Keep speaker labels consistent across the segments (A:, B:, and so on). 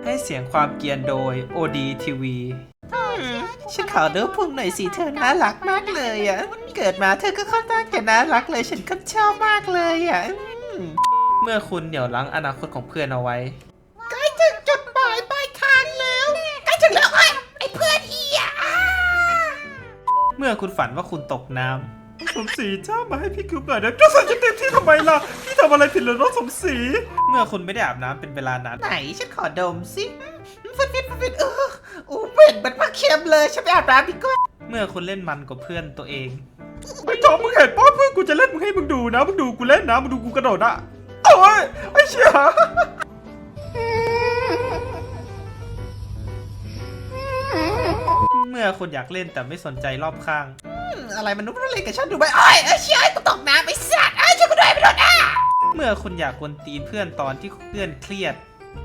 A: ให้เสียงความเกรียนโดย OD TV ฉันขอดูพุงหน่อยสิเธอน่ารักมากเลยอ่ะเกิดมาเธอก็ค่อนข้างจะน่ารักเลยฉันก็ชอบมากเลยอ่ะเมื่อคุณเหนี่ยวรั้งอนาคตของเพื่อนเอาไว้ใกล้ถึงจุดหมายปลายทางแล้วใกล้ถึงแล้วไอ้เพื่อนอีอ่ะเมื่อคุณฝันว่าคุณตกน้ำสมศรีเจ้ามาให้พี่คืบหน่อยนะก็สั่งจะเต็มที่ทำไมล่ะพี่ทำอะไรผิดหรือน้องสมศรีเมื่อคุณไม่ได้อาบน้ำเป็นเวลานานไหนฉันขอดมสิฟิตเหม็นมันมากเค็มเลยฉันไปอาบน้ำดีกว่าเมื่อคุณเล่นมันกับเพื่อนตัวเองไอ้จอมมึงเห็นป้าเพื่อนกูจะเล่นมึงให้มึงดูนะมึงดูกูเล่นนะมึงดูกูกระโดดนะโอ้ยไอ้เชี่ยเมื่อคุณอยากเล่นแต่ไม่สนใจรอบข้างอะไรมันนุ่มเล่นกับฉันดูไหมไอ้เชี่ยกูตกน้ำไอ้สัตว์ช่วยกูด้วยไปโดนอ่ะเมื่อคุณอยากกวนตีนเพื่อนตอนที่เพื่อนเครียด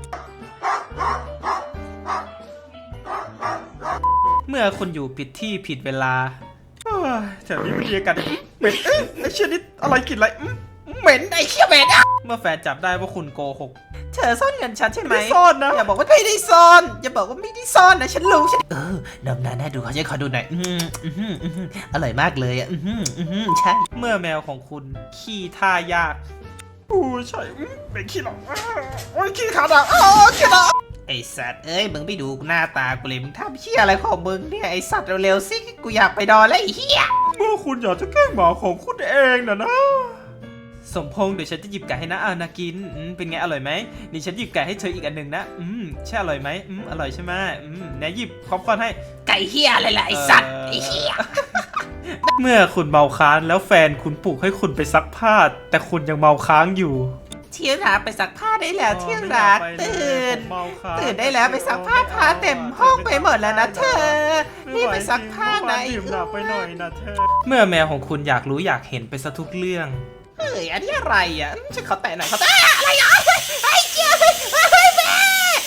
A: เมื่อคุณอยู่ผิดที่ผิดเวลาแถวนี้มีอากาศเหม็นไอ้เชี่ยนี่อะไรกลิ่นอะไรเหม็นไอ้เชี่ยเหม็นเมื่อแฟนจับได้ว่าคุณโกหกเธอซ่อนเงินฉันใช่ไหมไม่ซ่อนนะอย่าบอกว่าไม่ได้ซ่อนอย่าบอกว่าไม่ได้ซ่อนนะฉันรู้ฉันดำน้ำน่าดูขอดูหน่อยอร่อยมากเลยอ่ะใช่เมื่อแมวของคุณขี้ท่ายากใช่เป็นขี้หรอกโอ้ยขี้ขาดอ่ะขี้หรอไอสัตว์เอ้ยมึงไม่ดูหน้าตากูเลยมึงทำเชี่ยอะไรของมึงเนี่ยไอสัตว์เร็วๆสิกูอยากไปนอนแล้วไอ้เหี้ยเมื่อคุณอยากจะแกล้งหมาของคุณเองนะสมพงษ์เดี๋ยวฉันจะหยิบไก่ให้นะนากินเป็นไงอร่อยไหมนี่ฉันหยิบไก่ให้เธออีกอันหนึ่งนะใช่อร่อยไหมอร่อยใช่ไหมไหนหยิบป๊อปคอร์นให้ไก่เหี้ยอะไรล่ะไอสัตว์ไอเหี้ยเมื่อคุณเมาค้างแล้วแฟนคุณปลุกให้คุณไปซักผ้าแต่คุณยังเมาค้างอยู่เที่ยงรักไปซักผ้าได้แล้วเที่ยงรักตื่นได้แล้วไปซักผ้าผ้าเต็มห้องไปหมดแล้วนะเธอนี่ไปซักผ้าไหนไปหน่อยนะเธอเมื่อแมวของคุณอยากรู้อยากเห็นไปซะทุกเรื่องเฮ้ยอันนี้อะไรอ่ะฉันขอแตะหน่อยขอแตะอะไรอ่ะไอ้เจ้าแม่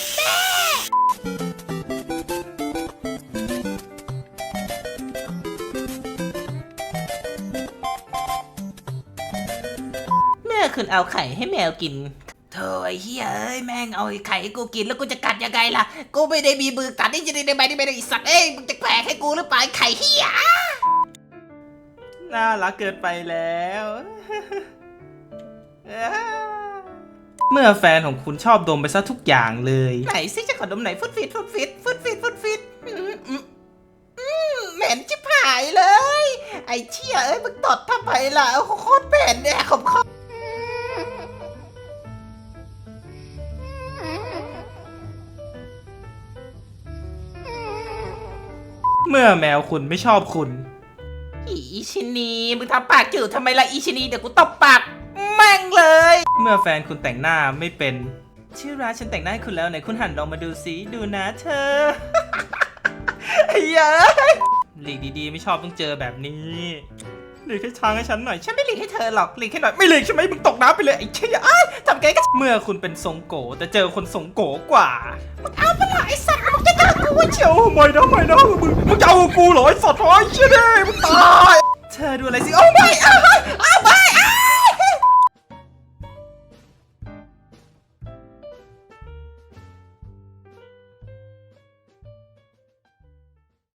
A: คุณเอาไข่ให้แมวกินเธอไอ้เหี้ยเอ้ยแม่งเอาไข่ให้กูกินแล้วกูจะกัดยังไงล่ะกูไม่ได้มีมือกัดนี่จะได้ไหมนี่ไม่ได้สัตว์เอ้ยมึงจะแผลให้กูหรือเปล่าไข่เหี้ยน่ารักเกินไปแล้วเมื่อแฟนของคุณชอบดมไปซะทุกอย่างเลยไหนซิจะขอดมไหนฟุดฟิตเหม็นชิบหายเลยไอ้เชี่ยเอ้ยมึงตดทำไมล่ะโคตรเหม็นเนี่ยขมเมื่อแมวคุณไม่ชอบคุณอีชินีมึงทำปากจืดทำไมล่ะอีชินีเดี๋ยวกูตบปากแม่งเลยเมื่อแฟนคุณแต่งหน้าไม่เป็นชื่อร้านฉันแต่งหน้าให้คุณแล้วไหนคุณหันลองมาดูสิดูนะเธอไอ้เหี้ยหลีกดีๆไม่ชอบต้องเจอแบบนี้หลีกให้ช้างให้ฉันหน่อยฉันไม่หลีกให้เธอหรอกหลีกให้หน่อยไม่หลีกใช่ไหมมึงตกน้ำไปเลยไอ้เชี่ยทำไงก็เมื่อคุณเป็นทรงโกแต่เจอคนทรงโกกว่ามึงเอาไปเลยไอ้สัตว์มึงจะเอากูเชียวไม่นะมึงจะเอากูเหรอไอ้สัตว์ไอ้เชี่ยดิมึงตายเธอดูอะไรสิโอ้ไม่